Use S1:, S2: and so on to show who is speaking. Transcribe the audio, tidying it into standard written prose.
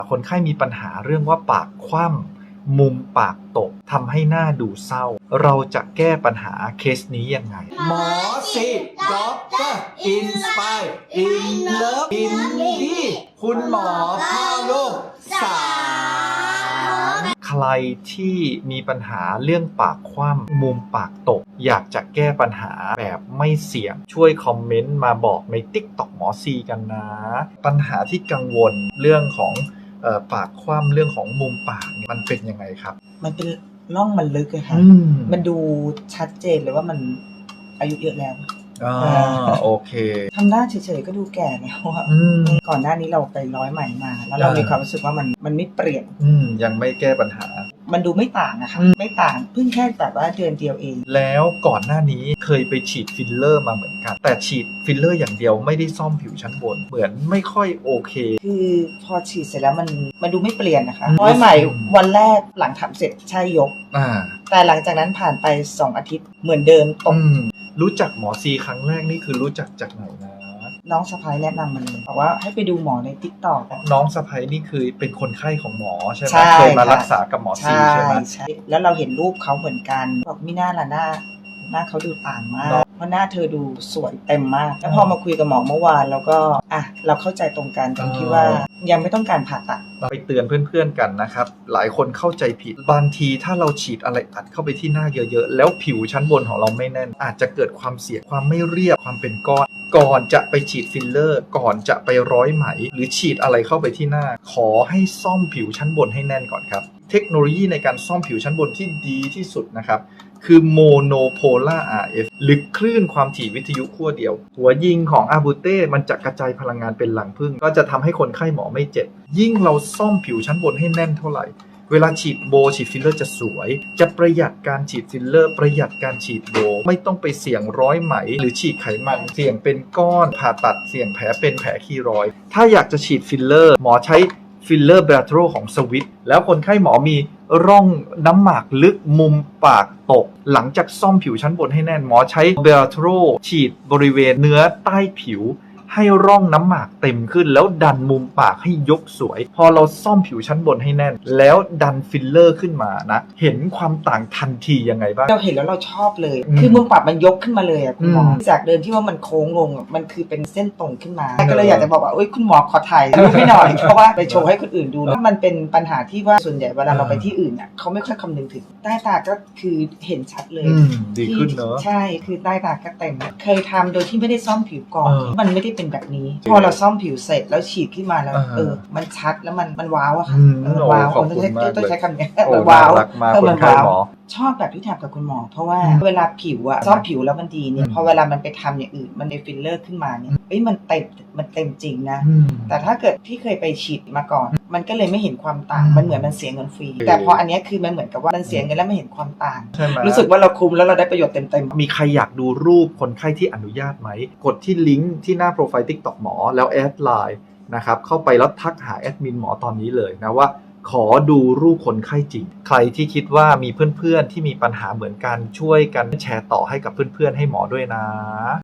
S1: คนไข้มีปัญหาเรื่องว่าปากคว่ำมุมปากตกทำให้หน้าดูเศร้าเราจะแก้ปัญหาเคสนี้ยังไงหมอสิด็อกเตอร์อินสไปร์อินเลิฟอินดีคุณหมอพ่อลูกสามใครที่มีปัญหาเรื่องปากคว่ำมุมปากตกอยากจะแก้ปัญหาแบบไม่เสี่ยงช่วยคอมเมนต์มาบอกใน TikTok หมอซีกันนะปัญหาที่กังวลเรื่องของปากคว่ำเรื่องของมุมปากมันเป็นยังไงครับ
S2: มันเป็นร่องมันลึกอะค่ะมันดูชัดเจนเลยว่ามันอายุเยอะแล้ว
S1: โอเค
S2: ทำหน้าเฉยๆก็ดูแก่แล้วอะก่อนหน้านี้เราไปร้อยไหมมาแล้วเรามีความรู้สึกว่ามันไม่เปลี่ยน
S1: ยังไม่แก้ปัญหา
S2: มันดูไม่ต่างอะค่ะไม่ต่างเพิ่งแค่แบบว่าเดือนเดียวเอง
S1: แล้วก่อนหน้านี้เคยไปฉีดฟิลเลอร์มาเหมือนกันแต่ฉีดฟิลเลอร์อย่างเดียวไม่ได้ซ่อมผิวชั้นบนเหมือนไม่ค่อยโอเค
S2: คือพอฉีดเสร็จแล้วมันดูไม่เปลี่ยนนะคะร้อยไหมวันแรกหลังทำเสร็จใช่ยกแต่หลังจากนั้นผ่านไป2 อาทิตย์เหมือนเดิมตก
S1: รู้จักหมอซีครั้งแรกนี่คือรู้จักจากไหนนะ
S2: น้องสะพ้ายแนะนำมาเลยบอกว่าให้ไปดูหมอใน TikTok
S1: น้องสะพ้ายนี่คือเป็นคนไข้ของหมอใช่ไหมเคยมารักษากับหมอซีใช่ไหม
S2: ใช่แล้วเราเห็นรูปเขาเหมือนกันบอกมิน่าล่ะหน้าเขาดูต่างมากเพราะหน้าเธอดูสวยเต็มมากแล้วพอมาคุยกับหมอเมื่อวานแล้วก็เราเข้าใจตรงกันตรงที่ว่ายังไม่ต้องการผ่าตัด
S1: ไปเตือนเพื่อนๆกันนะครับหลายคนเข้าใจผิดบางทีถ้าเราฉีดอะไรอัดเข้าไปที่หน้าเยอะๆแล้วผิวชั้นบนของเราไม่แน่นอาจจะเกิดความเสียความไม่เรียบความเป็นก้อนก่อนจะไปฉีดฟิลเลอร์ก่อนจะไปร้อยไหมหรือฉีดอะไรเข้าไปที่หน้าขอให้ซ่อมผิวชั้นบนให้แน่นก่อนครับเทคโนโลยีในการซ่อมผิวชั้นบนที่ดีที่สุดนะครับคือโมโนโพล่า RF หรือคลื่นความถี่วิทยุขั้วเดียวหัวยิงของอาบูเต้มันจะกระจายพลังงานเป็นหลังพึ่งก็จะทำให้คนไข้หมอไม่เจ็บยิ่งเราซ่อมผิวชั้นบนให้แน่นเท่าไหร่เวลาฉีดโบฉีดฟิลเลอร์จะสวยจะประหยัดการฉีดฟิลเลอร์ประหยัดการฉีดโบไม่ต้องไปเสี่ยงร้อยไหมหรือฉีดไขมันเสี่ยงเป็นก้อนผ่าตัดเสี่ยงแผลเป็นแผลคีรอยด์ถ้าอยากจะฉีดฟิลเลอร์หมอใช้ฟิลเลอร์เบลโทรของสวิตแล้วคนไข้หมอมีร่องน้ำหมากลึกมุมปากตกหลังจากซ่อมผิวชั้นบนให้แน่นหมอใช้เบลโทรฉีดบริเวณเนื้อใต้ผิวให้ร่องน้ำหมากเต็มขึ้นแล้วดันมุมปากให้ยกสวยพอเราซ่อมผิวชั้นบนให้แน่นแล้วดันฟิลเลอร์ขึ้นมานะเห็นความต่างทันทียังไงบ้าง
S2: เราเห็นแล้วเราชอบเลยคือมุมปากมันยกขึ้นมาเลยอ่ะคุณหมอจากเดิมที่ว่ามันโค้งลงมันคือเป็นเส้นตรงขึ้นมาก็เลยอยากจะบอกว่าคุณหมอขอถ่ายรูปให้หน่อยเพราะว่าไปโชว์ให้คนอื่นดูแล้วมันเป็นปัญหาที่ว่าส่วนใหญ่เวลาเราไปที่อื่นอ่ะเขาไม่ค่อยคำนึงถึงใต้ตาก็คือเห็นชัดเลย
S1: ดีขึ้นเนอะ
S2: ใช่คือใต้ตาก็เต็มเคยทำโดยที่ไม่ได้ซ่อมผิวก่อนมันไม่ได้เป็นแบบนี้พอเราซ่อมผิวเสร็จแล้วฉีดขึ้นมาแล้วมันชัดแล้วมันว้าวอะค่ะว้าวต้องใช้คำนี้มันว้าวมันว้าวชอบแบบที่ทำกับคุณหมอเพราะว่าเวลาผิวอะซ่อมผิวแล้วมันดีเนี่ยพอเวลามันไปทำอย่างอื่นมันในฟิลเลอร์ขึ้นมาเนี่ยมันเต็มจริงนะแต่ถ้าเกิดที่เคยไปฉีดมาก่อนมันก็เลยไม่เห็นความต่างมันเหมือนมันเสียเงินฟรีแต่พออันนี้คือมันเหมือนกับว่ามันเสียเงินแล้วไม่เห็นความต่างรู้สึกว่าเราคุ้มแล้วเราได้ประโยชน์เต็ม
S1: มีใครอยากดูรูปคนไข้ที่อนุญาตไหมกดที่ลิงก์ที่หน้าโปรไฟล์ TikTok หมอแล้วแอดไลน์นะครับเข้าไปแล้วทักหาแอดมินหมอตอนนี้เลยนะว่าขอดูรูปคนไข้จริงใครที่คิดว่ามีเพื่อนๆที่มีปัญหาเหมือนกันช่วยกันแชร์ต่อให้กับเพื่อนๆให้หมอด้วยนะ